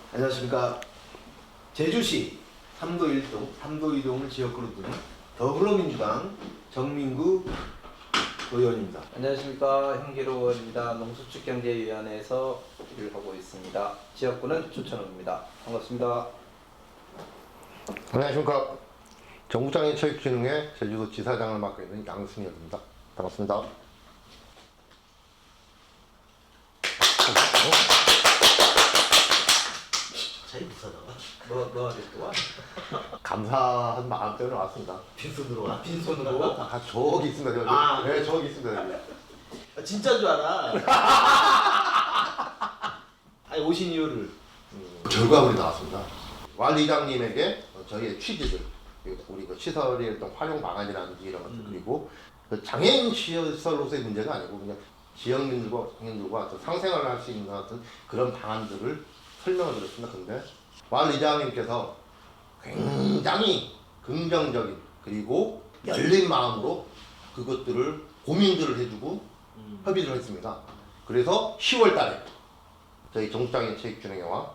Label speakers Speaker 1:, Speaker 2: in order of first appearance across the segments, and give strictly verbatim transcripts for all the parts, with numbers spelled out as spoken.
Speaker 1: 안녕하십니까. 제주시 삼도 일 동, 삼도 이 동을 지역구로 두는 더불어민주당 정민구 의원입니다.
Speaker 2: 안녕하십니까. 형기로원입니다. 농수축경제위원회에서 일을 하고 있습니다. 지역구는 주천읍입니다. 반갑습니다.
Speaker 3: 안녕하십니까. 정부장애 체육진흥회 제주도 지사장을 맡고 있는 양승혁입니다. 반갑습니다.
Speaker 1: 자기 부사다가
Speaker 2: 뭐, 뭐 하지 또 와?
Speaker 3: 감사한 마음 때문에 왔습니다.
Speaker 1: 빈손으로 와.
Speaker 2: 빈손으로?
Speaker 3: 아, 저기 있습니다. 저기.
Speaker 1: 아,
Speaker 3: 네, 저기 있습니다. 저기.
Speaker 1: 아, 진짜인 줄 알아. 아니 오신 이유를
Speaker 3: 음, 결과물이 나왔습니다. 왈 이장님에게 저희의 취지들, 우리 그 시설의 어떤 활용 방안이라든지 이런 것들,
Speaker 1: 음.
Speaker 3: 그리고 그 장애인 시설로서의 문제가 아니고 그냥 지역민들과 장애인들과 어떤 상생활을 할 수 있는 어떤 그런 방안들을 설명을 드렸습니다. 근데 왈 이장님께서 굉장히 긍정적인 그리고 열린 마음으로 그것들을 고민들을 해주고
Speaker 1: 음.
Speaker 3: 협의를 했습니다. 그래서 시월 달에 저희 정부장애 체육진흥회와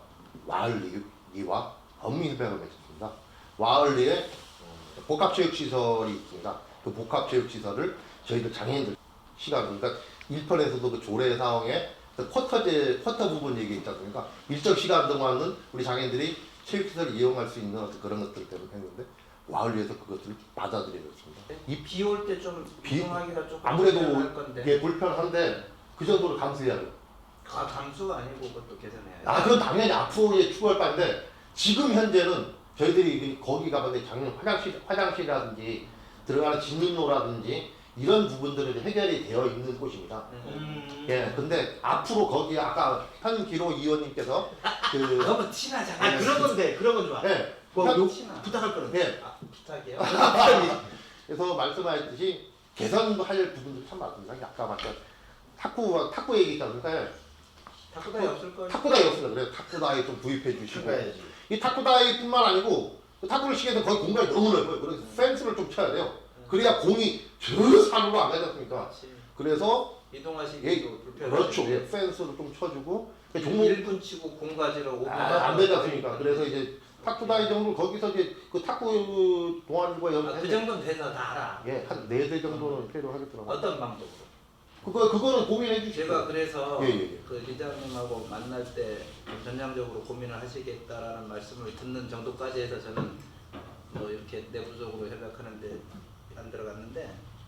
Speaker 3: 와을리와 법민협약을 맺었습니다. 와을리에 복합체육시설이 있습니다. 그 복합체육시설을 저희들 장애인들 시간, 그러니까 일 편에서도 그 조례 사항에 그 쿼터제, 쿼터 부분 얘기 있지 않습니까? 일정 시간 동안은 우리 장애인들이 체육시설을 이용할 수 있는 어떤 그런 것들 때문에 했는데 와을리에서 그것들을 받아들여졌습니다.
Speaker 2: 이 비 올 때 좀
Speaker 3: 비-
Speaker 2: 이동하기가 조금
Speaker 3: 아무래도
Speaker 2: 불편할 건데.
Speaker 3: 이게 불편한데 그 정도로 감수해야 돼요.
Speaker 2: 아, 감수가 아니고 그것도 개선해야지.
Speaker 3: 아, 그건 당연히 앞으로의 추구할 바인데 지금 현재는 저희들이 거기 가봤는데 작년 화장실, 화장실이라든지 들어가는 진입로라든지 이런 부분들은 해결이 되어 있는 곳입니다.
Speaker 1: 음.
Speaker 3: 예, 근데 앞으로 거기 아까 현기로 의원님께서 그
Speaker 2: 너무 티나잖아.
Speaker 1: 아 그런 건데 그런 건 좋아.
Speaker 3: 예,
Speaker 1: 뭐
Speaker 3: 현-
Speaker 1: 요,
Speaker 2: 티나.
Speaker 1: 부탁할 거는.
Speaker 3: 예,
Speaker 2: 아, 부탁이요?
Speaker 3: 그래서 말씀하셨듯이 개선도 할 부분들이 참 많습니다. 아까 말씀 탁구 탁구 얘기 있잖아요.
Speaker 2: 탁구다이 없을 거예요.
Speaker 3: 탁구다이 없습니다. 그래서 탁구다이 좀 구입해 주시고
Speaker 1: 출가야지.
Speaker 3: 이 탁구다이뿐만 아니고 그 탁구를 치게 되면 거기 공간이 너무 넓어요. 그래서 펜스를 좀 쳐야 돼요. 그래야 공이 저 산으로 안 가지 않습니까?
Speaker 2: 그렇지.
Speaker 3: 그래서
Speaker 2: 이동하시기도
Speaker 3: 예,
Speaker 2: 불편하고.
Speaker 3: 그렇죠. 예, 펜스를 좀 쳐주고 종목
Speaker 2: 일 분 치고 공 가지러 오 분
Speaker 3: 아, 안 되지 않습니까? 그래서 이제 탁구다이 정도 거기서 이제 그 탁구 동아리과
Speaker 2: 아,
Speaker 3: 연습
Speaker 2: 그 정도는 돼서 다 알아.
Speaker 3: 예, 한 네 대 정도는 필요하겠더라고요.
Speaker 2: 어떤 방법으로?
Speaker 3: 그거 그거는 고민해 주시죠.
Speaker 2: 제가 그래서
Speaker 3: 예, 예, 예.
Speaker 2: 그 리장님하고 만날 때 전향적으로 고민을 하시겠다라는 말씀을 듣는 정도까지 해서 저는 뭐 이렇게 내부적으로 협약하는데 안 들어갔는데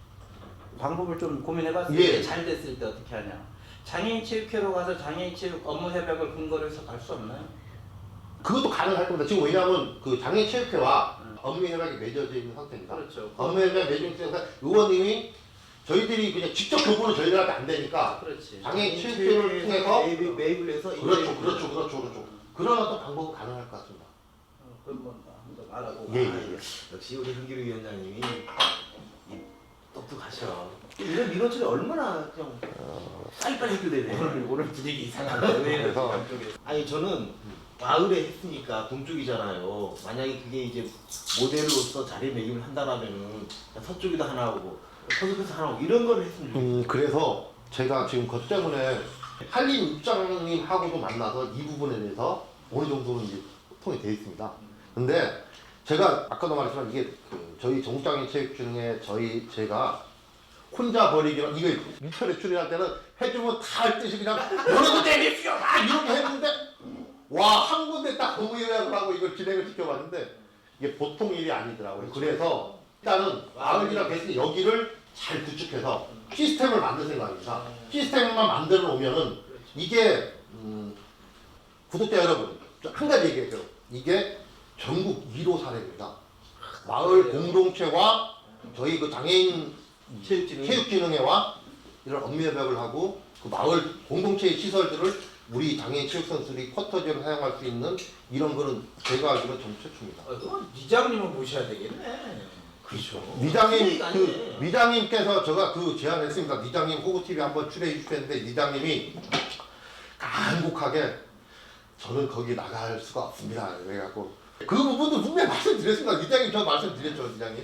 Speaker 2: 방법을 좀 고민해봤어요.
Speaker 3: 예.
Speaker 2: 이게 잘 됐을 때 어떻게 하냐. 장애인 체육회로 가서 장애인 체육 업무 협약을 근거로 해서 갈 수 없나요?
Speaker 3: 그것도 가능할 겁니다. 지금 왜냐하면 그 장애 체육회와
Speaker 2: 음.
Speaker 3: 업무 협약이 맺어져 있는 상태입니다.
Speaker 2: 그렇죠.
Speaker 3: 업무 협약 맺어 있는 상태 의원님이 저희들이 그냥 직접 교부는 저희들한테 안 되니까
Speaker 2: 그렇지.
Speaker 3: 장애 체육회를 통해서
Speaker 1: 매입, 매입을 해서
Speaker 3: 그렇죠, 그렇죠, 그렇죠, 그렇죠. 그런 어떤 방법은 가능할 것 같습니다.
Speaker 2: 어, 그건 뭐 한번 알아보고.
Speaker 3: 예, 예.
Speaker 1: 아, 역시 우리 현기로 위원장님이 이 똑똑하셔. 이런 민원철이 얼마나 그냥 빨리빨리 해결되네.
Speaker 2: 오늘 오늘 분위기 이상한데 왜 이렇게
Speaker 3: 그래서-
Speaker 2: 감쪽에서.
Speaker 1: 아니 저는 마을에 했으니까 동쪽이잖아요. 만약에 그게 이제 모델로서 자리매김을 한다라면은 서쪽에도 하나 오고 서쪽에서 하나 오고 이런 걸 했으면 좋겠어요.
Speaker 3: 음, 그래서 제가 지금 그것 때문에 한림 입장님하고도 만나서 이 부분에 대해서 어느 정도는 이제 소통이 되어 있습니다. 근데 제가 아까도 말했지만 이게 그 저희 정국장애 체육진흥회 저희 제가 혼자 버리기로 이거 일 편에 출연할 때는 해주면 다 할 듯이 그냥 너네도 내리시오 막 이렇게 했는데 와 한 군데 딱 업무 요약을 하고 이걸 진행을 시켜봤는데 이게 보통 일이 아니더라고요. 그래서 일단은 마을이랑 대신 여기를 잘 구축해서 시스템을 만들 생각입니다. 시스템만 만들어 놓으면은 이게 음, 구독자 여러분 한 가지 얘기해요. 이게 전국 일 호 사례입니다. 마을 공동체와 저희 그 장애인
Speaker 1: 체육진흥회.
Speaker 3: 체육진흥회와 이런 업무협약을 하고 그 마을 공동체의 시설들을 우리 장애인 체육선수들이 쿼터제로 사용할 수 있는 이런 거는 제가 알기로는 전 최초입니다.
Speaker 2: 어, 그건 리장님을 모셔야 되겠네.
Speaker 1: 그렇죠.
Speaker 3: 리장님 그 리장님께서 제가 그 제안했습니다. 리장님 호구티비 한번 출연해 주셨는데 리장님이 간곡하게 저는 거기 나갈 수가 없습니다. 그래갖고 그 부분도 분명히 말씀드렸습니다. 리장님 저 말씀드렸죠, 리장님.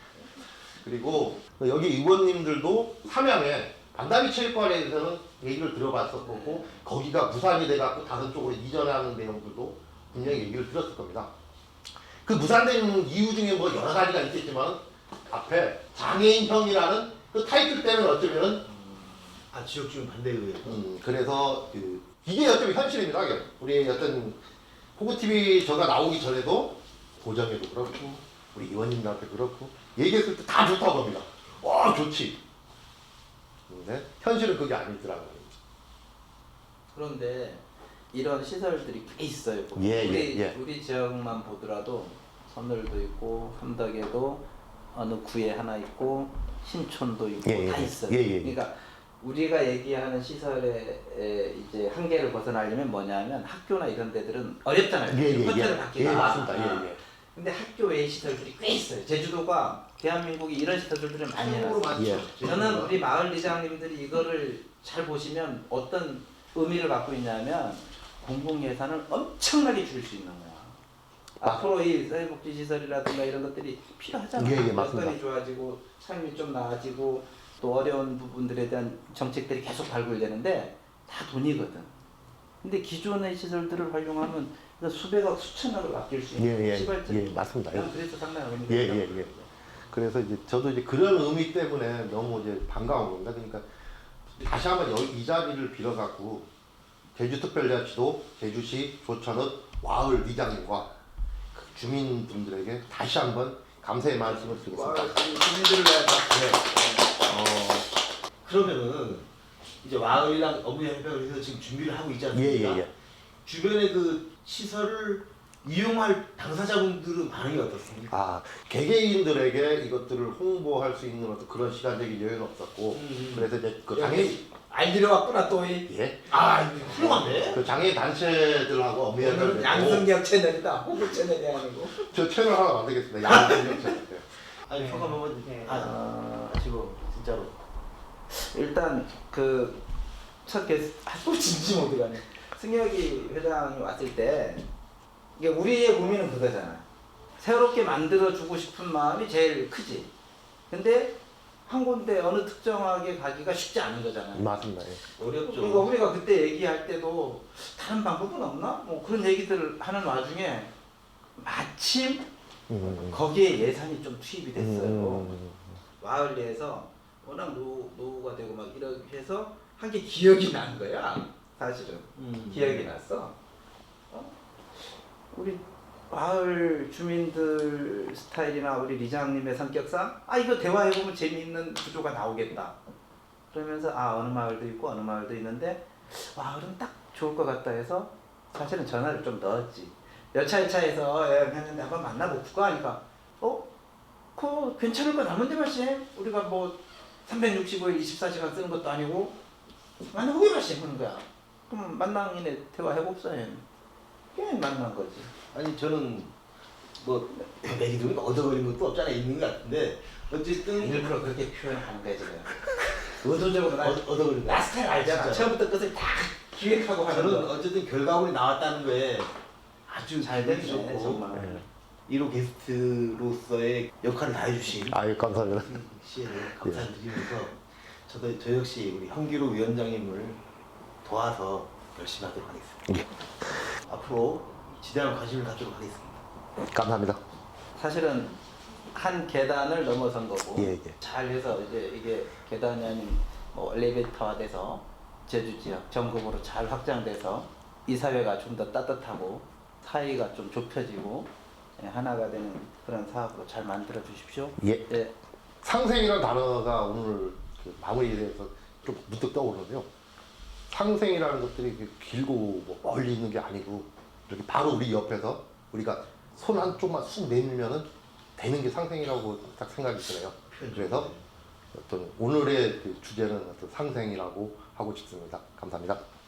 Speaker 3: 그리고 여기 의원님들도 삼양에 반다비 체육관에 대해서는 얘기를 들어봤었고 거기가 부산이 돼갖고 다른 쪽으로 이전하는 내용들도 분명히 얘기를 들었을 겁니다. 그 무산된 이유 중에 뭐 여러 가지가 있겠지만 앞에 장애인형이라는 그 타이틀 때문에 어쩌면은
Speaker 1: 아 지역주민 반대에 의해서.
Speaker 3: 음, 그래서 그 이게 어쩌면 현실입니다. 이게. 우리 어떤 호구티비 저가 나오기 전에도 도정에도 그렇고 우리 의원님들한테 그렇고 얘기했을 때 다 좋다고 합니다. 와 좋지. 근데 현실은 그게 아니더라고요.
Speaker 2: 그런데 이런 시설들이 꽤 있어요.
Speaker 3: 예,
Speaker 2: 우리
Speaker 3: 예, 예.
Speaker 2: 우리 지역만 보더라도 선늘도 있고 함덕에도 어느 구에 하나 있고 신촌도 있고
Speaker 3: 예, 예,
Speaker 2: 다
Speaker 3: 예.
Speaker 2: 있어요.
Speaker 3: 예, 예, 예.
Speaker 2: 그러니까 우리가 얘기하는 시설의 에, 이제 한계를 벗어나려면 뭐냐면 학교나 이런 데들은 어렵잖아요.
Speaker 3: 예, 예,
Speaker 2: 호텔을
Speaker 3: 예.
Speaker 2: 받기가.
Speaker 3: 예, 맞습니다.
Speaker 2: 아.
Speaker 3: 예, 예.
Speaker 2: 근데 학교 외의 시설들이 꽤 있어요. 제주도가 대한민국이 이런 시설들을 많이
Speaker 1: 참고로
Speaker 2: 해놨어요.
Speaker 1: 많죠.
Speaker 3: 예.
Speaker 2: 저는 우리 마을 리장님들이 이거를 잘 보시면 어떤 의미를 갖고 있냐면 공공 예산을 엄청나게 줄일 수 있는 거야.
Speaker 3: 아.
Speaker 2: 앞으로 이 사회복지시설이라든가 이런 것들이 필요하잖아요.
Speaker 3: 예, 예, 맞습니다.
Speaker 2: 여건이 좋아지고 삶이 좀 나아지고 또 어려운 부분들에 대한 정책들이 계속 발굴되는데 다 돈이거든. 근데 기존의 시설들을 활용하면 수백억, 수천억을 아낄 수 있는
Speaker 3: 예, 예,
Speaker 2: 시발점.
Speaker 3: 예, 맞습니다.
Speaker 2: 난 그래서 상당히 의미가
Speaker 3: 예,
Speaker 2: 있다고
Speaker 3: 예, 예. 그래서 이제 저도 이제 그런 의미 때문에 너무 이제 반가운 겁니다. 그러니까 다시 한번 여기 이 자리를 빌어갖고 제주특별자치도 제주시 조천읍 와을 리장님과 그 주민분들에게 다시 한번 감사의 말씀을 드리겠습니다.
Speaker 2: 마을 주민들을 위해
Speaker 1: 어 그러면은 이제 마을이랑 업무협력을 해서 지금 준비를 하고 있지 않습니까?
Speaker 3: 예, 예, 예.
Speaker 1: 주변의 그 시설을 이용할 당사자분들은 반응이 어떻습니까?
Speaker 3: 아, 개개인들에게 이것들을 홍보할 수 있는 어떤 그런 시간적인 여유는 없었고,
Speaker 1: 음.
Speaker 3: 그래서 이제 그 장애인,
Speaker 2: 알기로 왔구나 또 이.
Speaker 3: 예,
Speaker 1: 아 이거 훌륭한데?
Speaker 3: 그 장애인 단체들하고 업무협력을
Speaker 2: 오늘은 양성기학 채널이다. 호구 채널이 아니고.
Speaker 3: 저 채널 하나 만들겠습니다. 양성역 채널.
Speaker 1: 아니 평가 한번 아 지금 진짜로
Speaker 2: 일단 그 첫 게스트 아또 진지 모드 가네. 승혁이 회장이 왔을 때 이게 우리의 고민은 그거잖아. 새롭게 만들어 주고 싶은 마음이 제일 크지. 근데 한 군데 어느 특정하게 가기가 쉽지 않은 거잖아요.
Speaker 3: 맞습니다. 예.
Speaker 1: 어렵죠.
Speaker 2: 그러니까 우리가 그때 얘기할 때도 다른 방법은 없나? 뭐 그런 얘기들을 하는 와중에 마침
Speaker 3: 음,
Speaker 2: 거기에 예산이 좀 투입이 됐어요.
Speaker 3: 음,
Speaker 2: 마을 내에서 워낙 노, 노후가 되고 막 이렇게 해서 한 게 기억이 난 거야. 사실은
Speaker 1: 음.
Speaker 2: 기억이 났어. 어? 우리 마을 주민들 스타일이나 우리 리장님의 성격상 아 이거 대화해보면 재미있는 구조가 나오겠다. 그러면서 아 어느 마을도 있고 어느 마을도 있는데 마을은 딱 좋을 것 같다 해서 사실은 전화를 좀 넣었지. 여차여차해서 예, 했는데 한번 만나볼까 하니까 어? 그거 괜찮을 거 남은데 말씀 우리가 뭐 삼백육십오 일 이십사 시간 쓰는 것도 아니고 만나보게 말씀 하는 거야. 그럼 만나기네 대화해봅시다. 그게 만난 거지.
Speaker 1: 아니 저는 뭐 얘기 들으니까 얻어걸린 것도 없잖아 있는 것 같은데 어쨌든
Speaker 2: 일부러 그렇게 표현하는 거야 지금. 의도적으로 나,
Speaker 1: 얻- 얻어걸린 거
Speaker 2: 나 스타일 알잖아.
Speaker 1: 진짜.
Speaker 2: 처음부터 끝을 다 기획하고 하는
Speaker 1: 저는
Speaker 2: 거.
Speaker 1: 어쨌든 결과물이 나왔다는 거에 아주
Speaker 2: 잘
Speaker 1: 기분이
Speaker 2: 됐네
Speaker 1: 좋고
Speaker 2: 정말.
Speaker 3: 예.
Speaker 1: 일 호 게스트로서의 역할을 다해주신
Speaker 3: 아유, 감사합니다.
Speaker 1: 씨에게 감사드리면서 저도 저 역시 우리 현기로 위원장님을 도와서 열심히 하도록 하겠습니다. 앞으로 지대한 관심을 갖도록 하겠습니다.
Speaker 3: 감사합니다.
Speaker 2: 사실은 한 계단을 넘어선 거고
Speaker 3: 예, 예.
Speaker 2: 잘해서 이제 이게 계단이 아닌 뭐 엘리베이터화돼서 제주 지역 전국으로 잘 확장돼서 이 사회가 좀 더 따뜻하고 사이가 좀 좁혀지고 예, 하나가 되는 그런 사업으로 잘 만들어 주십시오.
Speaker 3: 예.
Speaker 2: 예.
Speaker 3: 상생이라는 단어가 오늘 그 마무리에 대해서 좀 문득 떠오르는데요. 상생이라는 것들이 이렇게 길고 뭐 멀리 있는 게 아니고 이렇게 바로 우리 옆에서 우리가 손 한쪽만 쑥 내밀면은 되는 게 상생이라고 딱 생각이 드네요. 그래서 어떤 오늘의 그 주제는 어떤 상생이라고 하고 싶습니다. 감사합니다.